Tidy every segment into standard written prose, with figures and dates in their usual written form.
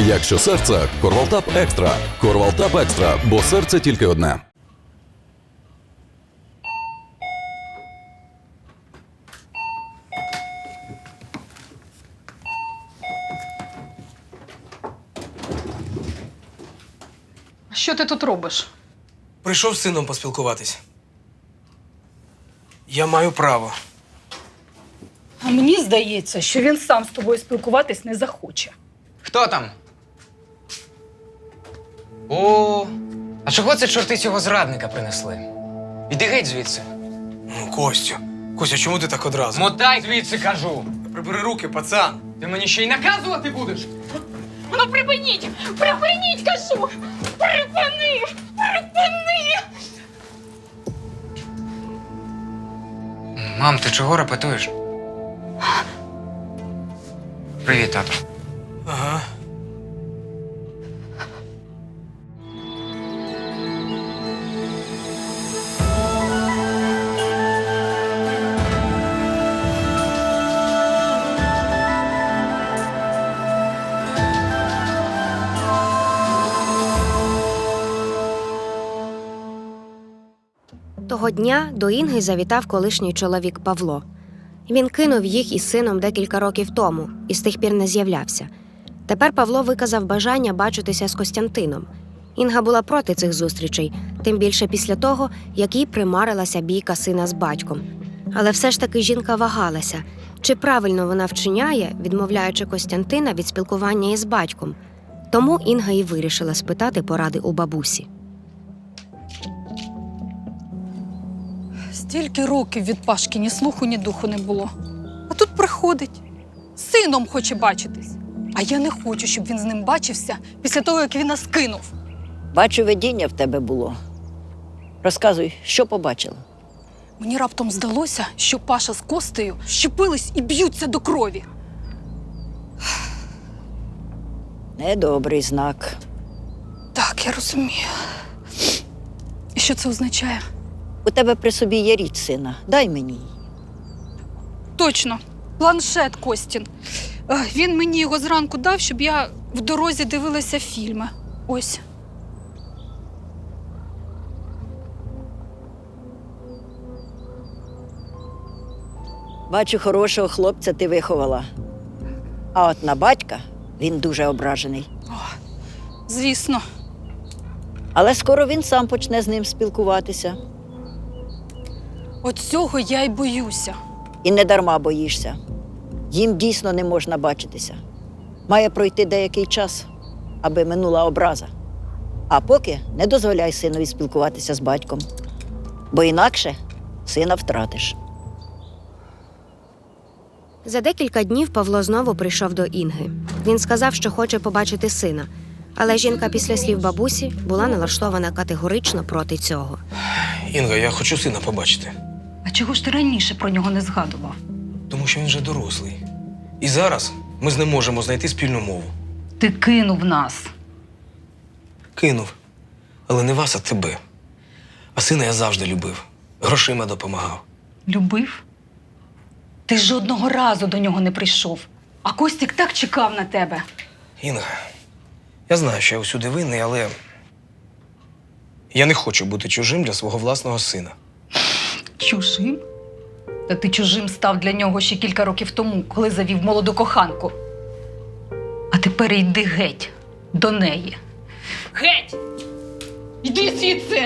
Якщо серце – Корвалтап Екстра. Корвалтап Екстра, бо серце тільки одне. Що ти тут робиш? Прийшов з сином поспілкуватись. Я маю право. А мені здається, що він сам з тобою спілкуватись не захоче. Хто там? О, а чого це чорти цього зрадника принесли? Іди геть звідси. Ну, Костю. Костя, чому ти так одразу? Мотай звідси, кажу. Прибери руки, пацан. Ти мені ще й наказувати будеш? Ну припиніть! Припиніть, кажу! Припини! Припини! Мам, ти чого репетуєш? Привіт, тато. Ага. Того дня до Інги завітав колишній чоловік Павло. Він кинув їх із сином декілька років тому і з тих пір не з'являвся. Тепер Павло виказав бажання бачитися з Костянтином. Інга була проти цих зустрічей, тим більше після того, як їй примарилася бійка сина з батьком. Але все ж таки жінка вагалася, чи правильно вона вчиняє, відмовляючи Костянтина від спілкування із батьком. Тому Інга і вирішила спитати поради у бабусі. Стільки років від Пашки ні слуху, ні духу не було. А тут приходить. З сином хоче бачитись. А я не хочу, щоб він з ним бачився після того, як він нас кинув. Бачу, видіння в тебе було. Розказуй, що побачила? Мені раптом здалося, що Паша з Костею щепились і б'ються до крові. Недобрий знак. Так, я розумію. І що це означає? У тебе при собі є річ сина. Дай мені її. Точно. Планшет Костін. Він мені його зранку дав, щоб я в дорозі дивилася фільми. Ось. Бачу, хорошого хлопця ти виховала. А от на батька він дуже ображений. Звісно. Але скоро він сам почне з ним спілкуватися. От цього я й боюся. І не дарма боїшся. Їм дійсно не можна бачитися. Має пройти деякий час, аби минула образа. А поки не дозволяй синові спілкуватися з батьком. Бо інакше сина втратиш. За декілька днів Павло знову прийшов до Інги. Він сказав, що хоче побачити сина. Але жінка після слів бабусі була налаштована категорично проти цього. Інга, я хочу сина побачити. А чого ж ти раніше про нього не згадував? Тому що він вже дорослий. І зараз ми з ним можемо знайти спільну мову. Ти кинув нас. Кинув. Але не вас, а тебе. А сина я завжди любив. Грошима допомагав. Любив? Ти жодного разу до нього не прийшов. А Костік так чекав на тебе. Інга, я знаю, що я усюди винний, але я не хочу бути чужим для свого власного сина. Чужим? Та ти чужим став для нього ще кілька років тому, коли завів молоду коханку. А тепер йди геть до неї. Геть! Йди звідси!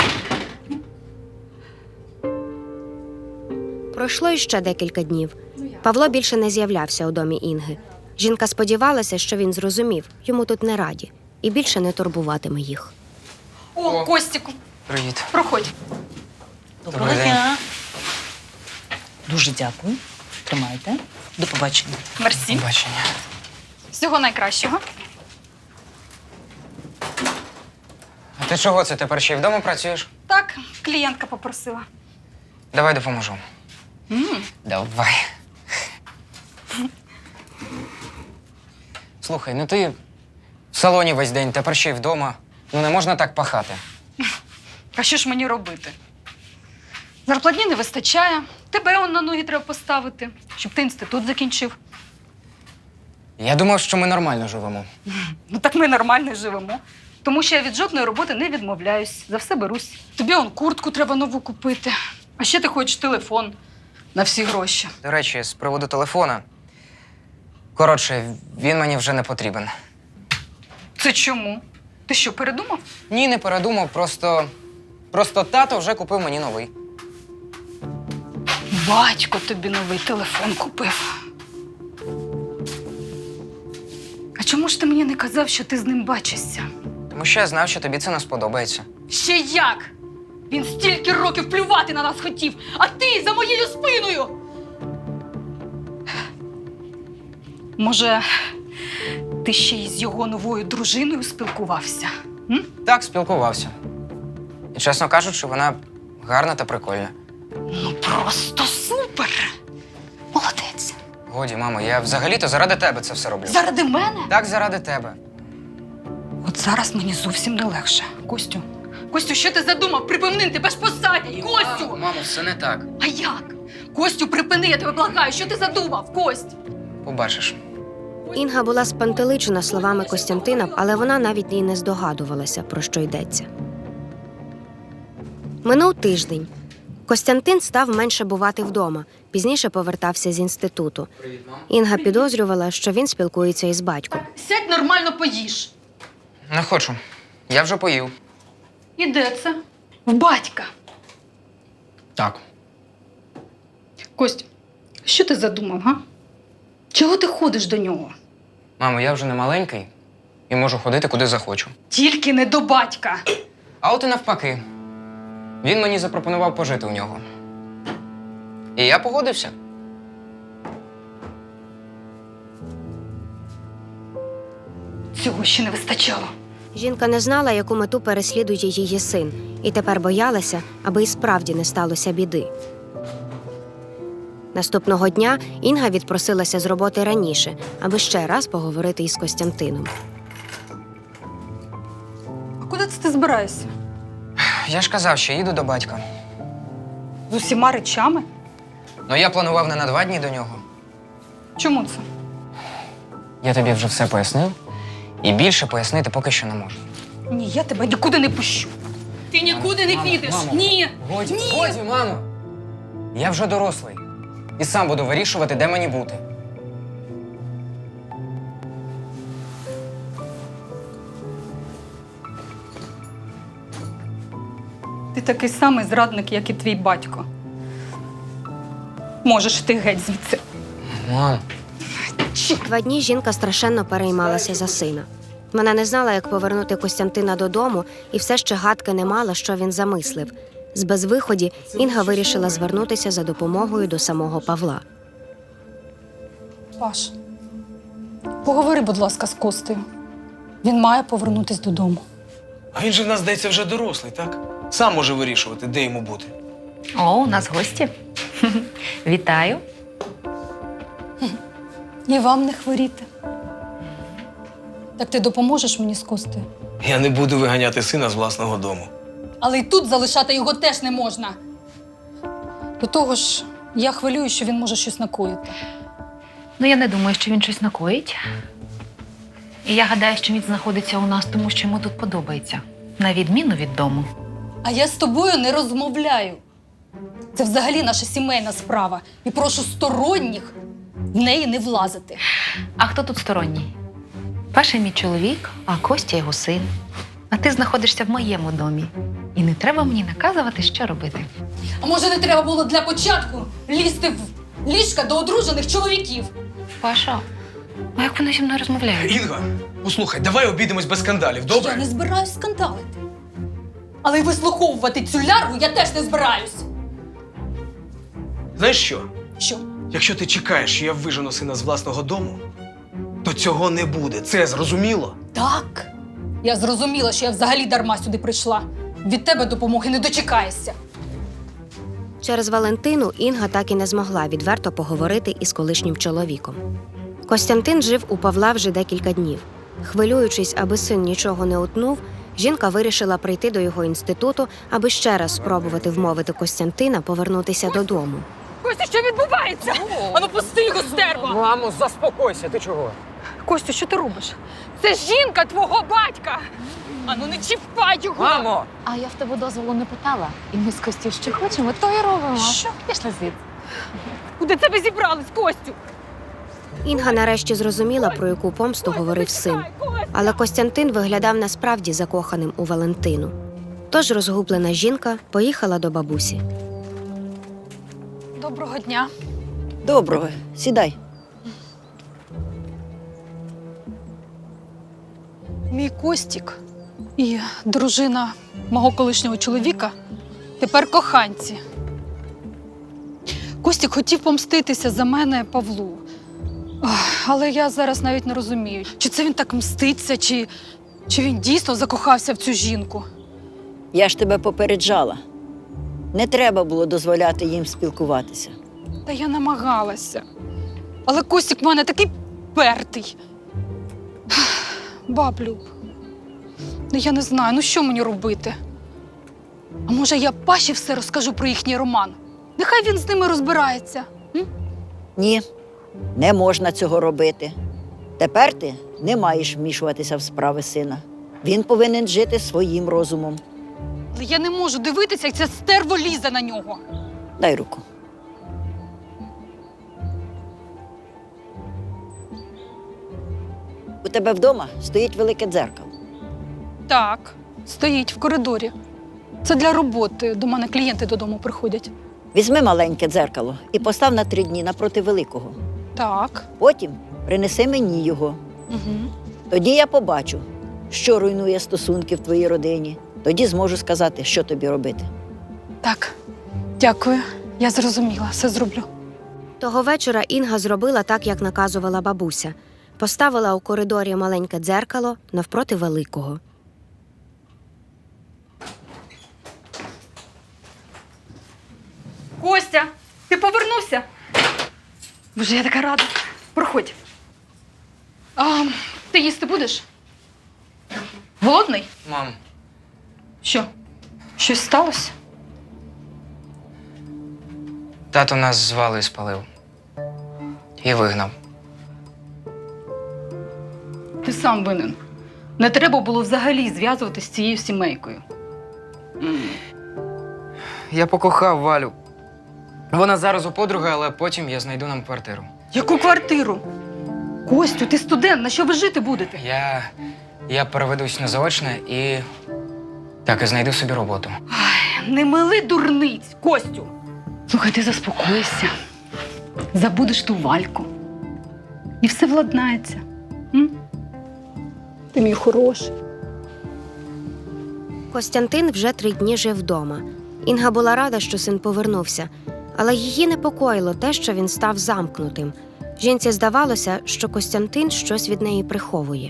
Пройшло іще декілька днів. Павло більше не з'являвся у домі Інги. Жінка сподівалася, що він зрозумів, йому тут не раді, і більше не турбуватиме їх. О, Костіку, Привіт. проходь. Доброго дня. Дуже дякую. Тримайте. До побачення. Мерсі. Бачення. Всього найкращого. А ти чого це тепер ще й вдома працюєш? Так, клієнтка попросила. Давай допоможу. Давай. Слухай, ну ти в салоні весь день, тепер ще й вдома. Ну не можна так пахати. А що ж мені робити? Зарплатні не вистачає, тебе он на ноги треба поставити, щоб ти інститут закінчив. Я думав, що ми нормально живемо. Ну так ми нормально живемо. Тому що я від жодної роботи не відмовляюсь. За все берусь. Тобі он куртку треба нову купити. А ще ти хочеш телефон на всі гроші. До речі, з приводу телефона. Коротше, він мені вже не потрібен. Це чому? Ти що, передумав? Ні, не передумав, просто тато вже купив мені новий. Батько тобі новий телефон купив. А чому ж ти мені не казав, що ти з ним бачишся? Тому що я знав, що тобі це не сподобається. Ще як? Він стільки років плювати на нас хотів, а ти за моєю спиною! Може, ти ще й з його новою дружиною спілкувався? М? Так, спілкувався. І, чесно кажучи, вона гарна та прикольна. Ну просто супер! Молодець! Годі, мамо, я взагалі-то заради тебе це все роблю. Заради мене? Так, заради тебе. От зараз мені зовсім не легше. Костю, що ти задумав? Припини, тебе ж посадять! Костю! Мамо, все не так. А як? Костю, припини, я тебе благаю! Що ти задумав, Кость? Побачиш. Інга була спантеличена словами Костянтина, але вона навіть і не здогадувалася, про що йдеться. Минув тиждень. Костянтин став менше бувати вдома, пізніше повертався з інституту. Інга підозрювала, що він спілкується із батьком. Сядь нормально поїж. Не хочу. Я вже поїв. І де це? В батька. Так. Кость, що ти задумав, га? Чого ти ходиш до нього? Мамо, я вже не маленький і можу ходити, куди захочу. Тільки не до батька. А от і навпаки. Він мені запропонував пожити у нього. І я погодився. Цього ще не вистачало. Жінка не знала, яку мету переслідує її син, і тепер боялася, аби і справді не сталося біди. Наступного дня Інга відпросилася з роботи раніше, аби ще раз поговорити із Костянтином. А куди це ти збираєшся? Я ж казав, що їду до батька. З усіма речами? Ну я планував не на 2 дні до нього. Чому це? Я тобі вже все пояснив. І більше пояснити поки що не можу. Ні, я тебе нікуди не пущу. Ти нікуди не підеш. Мамо, Ні. Годі, Ні. годі, мамо! Я вже дорослий. І сам буду вирішувати, де мені бути. Ти такий самий зрадник, як і твій батько. Можеш ти геть звідси. Мам. 2 дні жінка страшенно переймалася за сина. Вона не знала, як повернути Костянтина додому, і все ще гадки не мала, що він замислив. З безвиході Інга вирішила звернутися за допомогою до самого Павла. Паш, поговори, будь ласка, з Костею. Він має повернутись додому. А він же в нас, здається, вже дорослий, так? Сам може вирішувати, де йому бути. О, у нас гості. Вітаю. І вам не хворіти. Так ти допоможеш мені з Костею? Я не буду виганяти сина з власного дому. Але й тут залишати його теж не можна. До того ж, я хвилюю, що він може щось накоїти. Ну, я не думаю, що він щось накоїть. І я гадаю, що він знаходиться у нас, тому що йому тут подобається. На відміну від дому. А я з тобою не розмовляю. Це взагалі наша сімейна справа. І прошу сторонніх в неї не влазити. А хто тут сторонній? Паша мій чоловік, а Костя його син. А ти знаходишся в моєму домі. І не треба мені наказувати, що робити. А може, не треба було для початку лізти в ліжка до одружених чоловіків? Паша, а як вони зі мною розмовляють? Інга, послухай, давай обійдемось без скандалів, добре? Я не збираюсь скандалити. Але й вислуховувати цю лярву я теж не збираюсь. Знаєш що? Що? Якщо ти чекаєш, що я вижену сина з власного дому, то цього не буде. Це зрозуміло? Так. Я зрозуміла, що я взагалі дарма сюди прийшла. Від тебе допомоги не дочекаєшся. Через Валентину Інга так і не змогла відверто поговорити із колишнім чоловіком. Костянтин жив у Павла вже декілька днів. Хвилюючись, аби син нічого не утнув, жінка вирішила прийти до його інституту, аби ще раз спробувати вмовити Костянтина повернутися додому. Костя, що відбувається? Ану, пусти його, стерва! Мамо, заспокойся, ти чого? Костю, що ти робиш? Це жінка твого батька! Ану, не чіпай його! Мамо! А я в тебе дозволу не питала. І ми з Костю що хочемо, то і робимо. Що? Пішли звідси. Куди це ви зібрались, Костю? Інга нарешті зрозуміла, про яку помсту говорив син. Але Костянтин виглядав насправді закоханим у Валентину. Тож розгублена жінка поїхала до бабусі. Доброго дня. Доброго, сідай. Мій Костік і дружина мого колишнього чоловіка тепер коханці. Костік хотів помститися за мене Павлу. Але я зараз навіть не розумію, чи це він так мститься, чи він дійсно закохався в цю жінку. Я ж тебе попереджала. Не треба було дозволяти їм спілкуватися. Та я намагалася. Але Костік в мене такий пертий. Баблю, ну я не знаю, ну що мені робити? А може я Паші все розкажу про їхній роман? Нехай він з ними розбирається. Ні, не можна цього робити. Тепер ти не маєш вмішуватися в справи сина. Він повинен жити своїм розумом. Але я не можу дивитися, як ця стерво лізе на нього. Дай руку. У тебе вдома стоїть велике дзеркало. Так, стоїть в коридорі. Це для роботи. До мене клієнти додому приходять. Візьми маленьке дзеркало і постав на 3 дні напроти великого. Так. Потім принеси мені його. Угу. Тоді я побачу, що руйнує стосунки в твоїй родині. Тоді зможу сказати, що тобі робити. Так, дякую. Я зрозуміла, все зроблю. Того вечора Інга зробила так, як наказувала бабуся. Поставила у коридорі маленьке дзеркало навпроти великого. Костя, ти повернувся? Боже, я така рада. Проходь. А, ти їсти будеш? Голодний? Мам, Що? Щось сталося? тато нас з Валею спалив. І вигнав. Ти сам винен. Не треба було взагалі зв'язуватися з цією сімейкою. Я покохав Валю. Вона зараз у подруги, але потім я знайду нам квартиру. Яку квартиру? Костю, ти студент, на що ви жити будете? Я переведусь на заочне і так і знайду собі роботу. Не мили дурниць, Костю. Слухай, ти заспокойся. Забудеш ту Вальку. І все владнається. М? Ти мій хороший. Костянтин вже 3 дні жив вдома. Інга була рада, що син повернувся, але її непокоїло те, що він став замкнутим. Жінці здавалося, що Костянтин щось від неї приховує.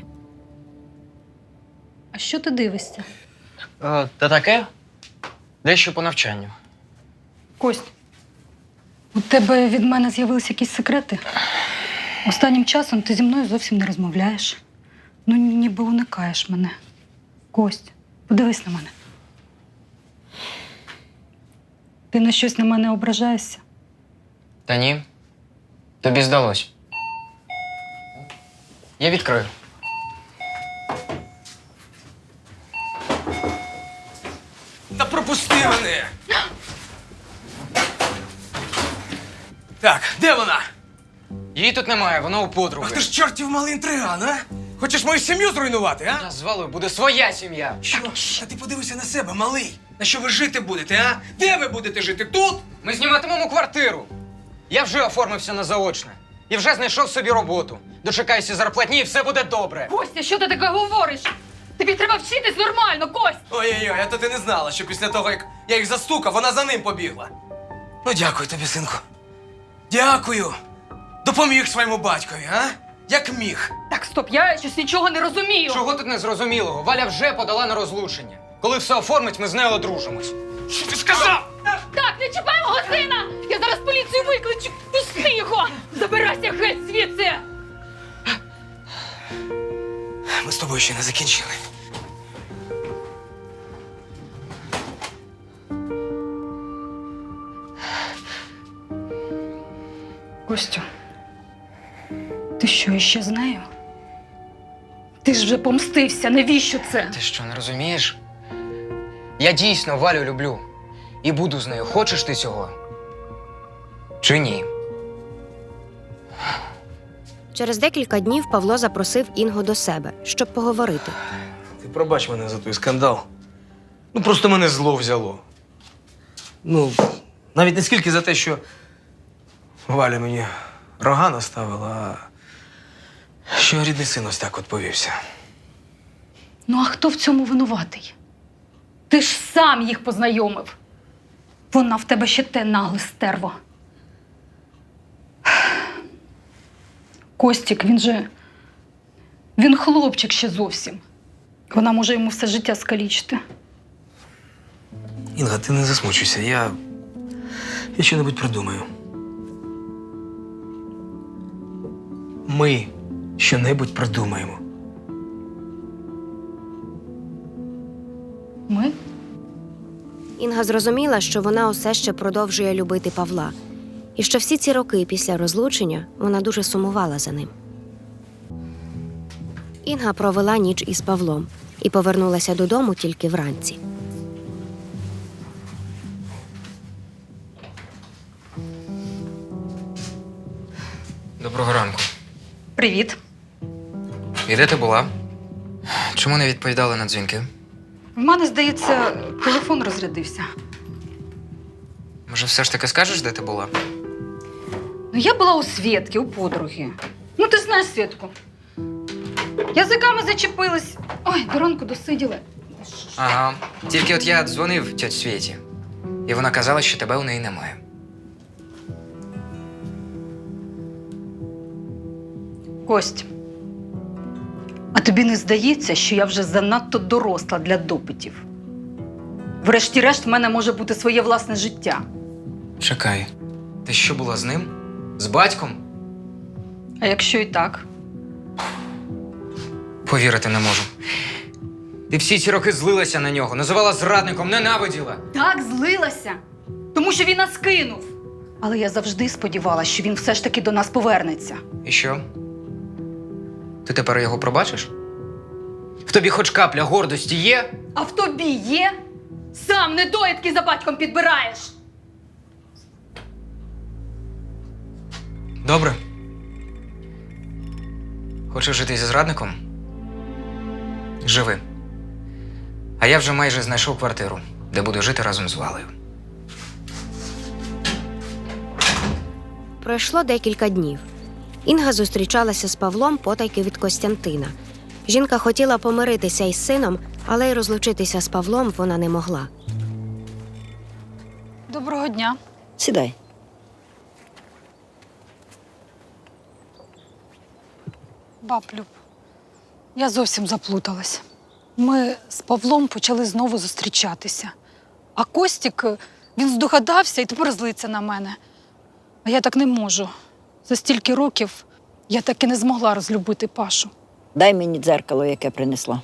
А що ти дивишся? Та таке? Дещо по навчанню. Кость, у тебе від мене з'явилися якісь секрети? Останнім часом ти зі мною зовсім не розмовляєш. Ну, ніби уникаєш мене. Кость, подивись на мене. Ти на щось на мене ображаєшся? Та ні. Тобі здалось. Я відкрию. Та пропусти мене! Так, де вона? Її тут немає, вона у подруги. Ах ти ж чортів малий інтриган, а? Хочеш мою сім'ю зруйнувати, а? Та з Валею буде своя сім'я. Що? Та ти подивися на себе, малий. На що ви жити будете, а? Де ви будете жити? Тут? Ми зніматимемо квартиру. Я вже оформився на заочне. І вже знайшов собі роботу. Дочекаюся зарплатні і все буде добре. Костя, що ти таке говориш? Тобі треба вчитись нормально, Кость! Ой-ой-ой, а то ти не знала, що після того, як я їх застукав, вона за ним побігла. Ну, дякую тобі, синку. Дякую. Допоміг своєму батькові, а? Як міг. Так, стоп, я щось нічого не розумію. Чого тут незрозумілого? Валя вже подала на розлучення. Коли все оформить, ми з нею одружимось. Що ти сказав? Так, не чіпай мого сина! Я зараз поліцію викличу! Пусти його! Забирайся геть звідси! Ми з тобою ще не закінчили. Костю, ти що, іще з нею? Ти ж вже помстився, навіщо це? Ти що, не розумієш? Я дійсно Валю люблю. І буду з нею. Хочеш ти цього? Чи ні? Через декілька днів Павло запросив Інгу до себе, щоб поговорити. Ти пробач мене за той скандал. Ну, просто мене зло взяло. Ну, навіть не скільки за те, що Валя мені рога наставила, а що рідний син ось так от повівся. Ну, а хто в цьому винуватий? Ти ж сам їх познайомив. Вона в тебе ще те нагле стерво. Костік, він хлопчик ще зовсім. Вона може йому все життя скалічити. Інга, ти не засмучуйся, я що-небудь придумаю. Ми що-небудь придумаємо. Ми? Інга зрозуміла, що вона усе ще продовжує любити Павла, і що всі ці роки після розлучення вона дуже сумувала за ним. Інга провела ніч із Павлом і повернулася додому тільки вранці. Доброго ранку. Привіт. І де ти була? Чому не відповідала на дзвінки? В мене, здається, телефон розрядився. Може, все ж таки скажеш, де ти була? Ну, я була у Свєтки, у подруги. Ну, ти знаєш Свєтку. Язиками зачепилась. Ой, до ранку досиділи. Ага. Тільки от я дзвонив тьоті Світі, і вона казала, що тебе у неї немає. Кость, а тобі не здається, що я вже занадто доросла для допитів? Врешті-решт, в мене може бути своє власне життя. Чекай, ти що була з ним? З батьком? А якщо і так? Повірити не можу. Ти всі ці роки злилася на нього, називала зрадником, ненавиділа. Так, злилася, тому що він нас кинув. Але я завжди сподівалася, що він все ж таки до нас повернеться. І що? Ти тепер його пробачиш? В тобі хоч капля гордості є? А в тобі є? Сам недоїдки за батьком підбираєш. Добре. Хочеш жити зі зрадником? Живи. А я вже майже знайшов квартиру, де буду жити разом з Валею. Пройшло декілька днів. Інга зустрічалася з Павлом потайки від Костянтина. Жінка хотіла помиритися із сином, але й розлучитися з Павлом вона не могла. Доброго дня. Сідай. Баб Люб, я зовсім заплуталась. Ми з Павлом почали знову зустрічатися. А Костік, він здогадався і тепер злиться на мене. А я так не можу. За стільки років я так і не змогла розлюбити Пашу. Дай мені дзеркало, яке принесла.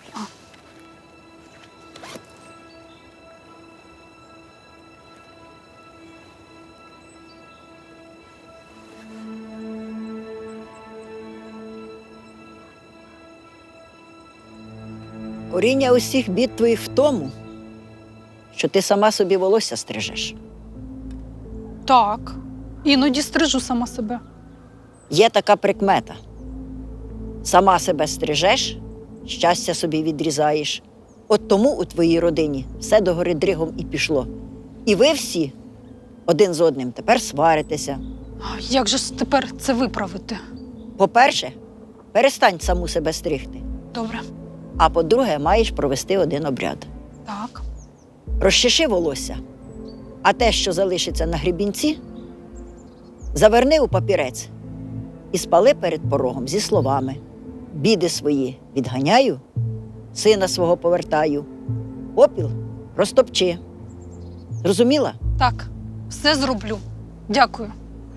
Коріння усіх бід твоїх в тому, що ти сама собі волосся стрижеш. Так, іноді стрижу сама себе. Є така прикмета. Сама себе стрижеш, щастя собі відрізаєш. От тому у твоїй родині все догори дригом і пішло. І ви всі один з одним тепер сваритеся. А як же ж тепер це виправити? По-перше, перестань саму себе стригти. Добре. А по-друге, маєш провести один обряд. Так. Розчеши волосся, а те, що залишиться на гребінці, заверни у папірець і спали перед порогом зі словами: «Біди свої відганяю, сина свого повертаю, попіл розтопчи». Зрозуміла? Так, все зроблю. Дякую.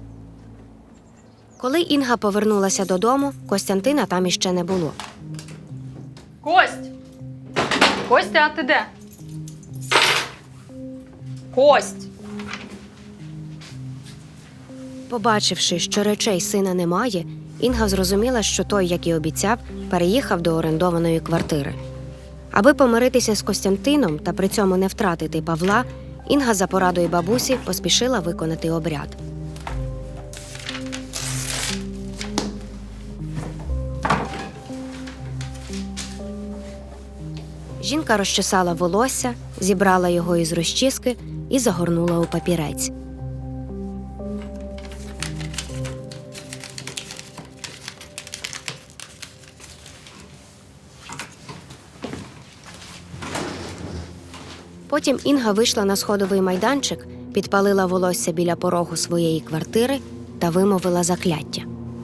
Коли Інга повернулася додому, Костянтина там іще не було. Кость! Костя, а ти де? Кость! Побачивши, що речей сина немає, Інга зрозуміла, що той, як і обіцяв, переїхав до орендованої квартири. Аби помиритися з Костянтином та при цьому не втратити Павла, Інга за порадою бабусі поспішила виконати обряд. Жінка розчесала волосся, зібрала його із розчіски і загорнула у папірець. Потім Інга вийшла на сходовий майданчик, підпалила волосся біля порогу своєї квартири та вимовила закляття.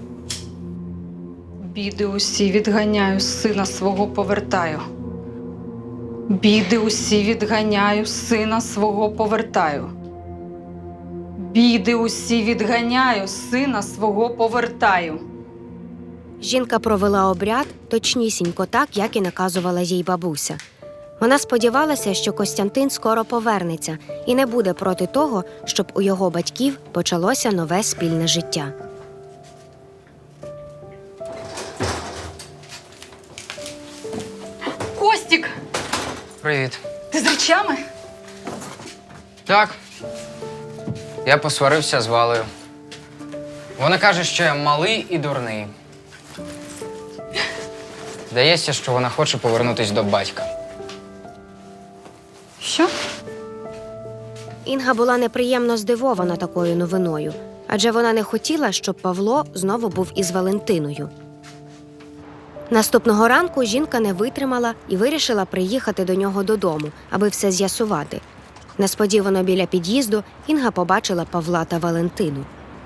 Біди усі відганяю, сина свого повертаю. Біди усі відганяю, сина свого повертаю. Біди усі відганяю, сина свого повертаю. Жінка провела обряд точнісінько так, як і наказувала їй бабуся. Вона сподівалася, що Костянтин скоро повернеться і не буде проти того, щоб у його батьків почалося нове спільне життя. Костік, Привіт. ти з речами? Так. Я посварився з Валею. Вона каже, що я малий і дурний. Здається, що вона хоче повернутися до батька. Що? Інга була неприємно здивована такою новиною, адже вона не хотіла, щоб Павло знову був із Валентиною. Наступного ранку жінка не витримала і вирішила приїхати до нього додому, аби все з'ясувати. Несподівано біля під'їзду Інга побачила Павла та Валентину.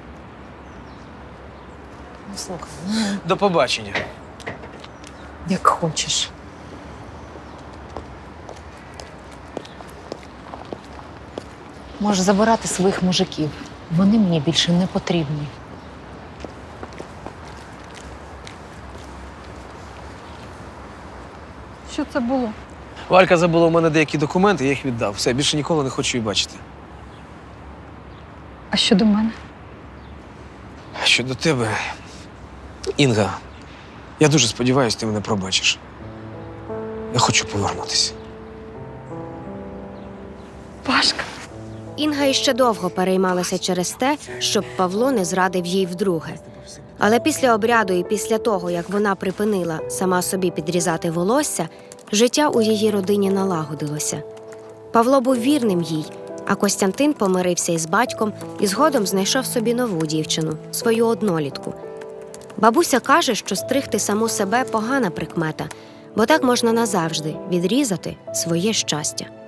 Ну, слухай, До побачення. як хочеш. Можеш забирати своїх мужиків. Вони мені більше не потрібні. Що це було? Валька забула у мене деякі документи, я їх віддав. Все, більше ніколи не хочу її бачити. А щодо мене? Щодо тебе, Інга, я дуже сподіваюся, ти мене пробачиш. Я хочу повернутися. Пашка. Інга іще довго переймалася через те, щоб Павло не зрадив їй вдруге. Але після обряду і після того, як вона припинила сама собі підрізати волосся, життя у її родині налагодилося. Павло був вірним їй, а Костянтин помирився із батьком і згодом знайшов собі нову дівчину, свою однолітку. Бабуся каже, що стригти саму себе – погана прикмета, бо так можна назавжди відрізати своє щастя.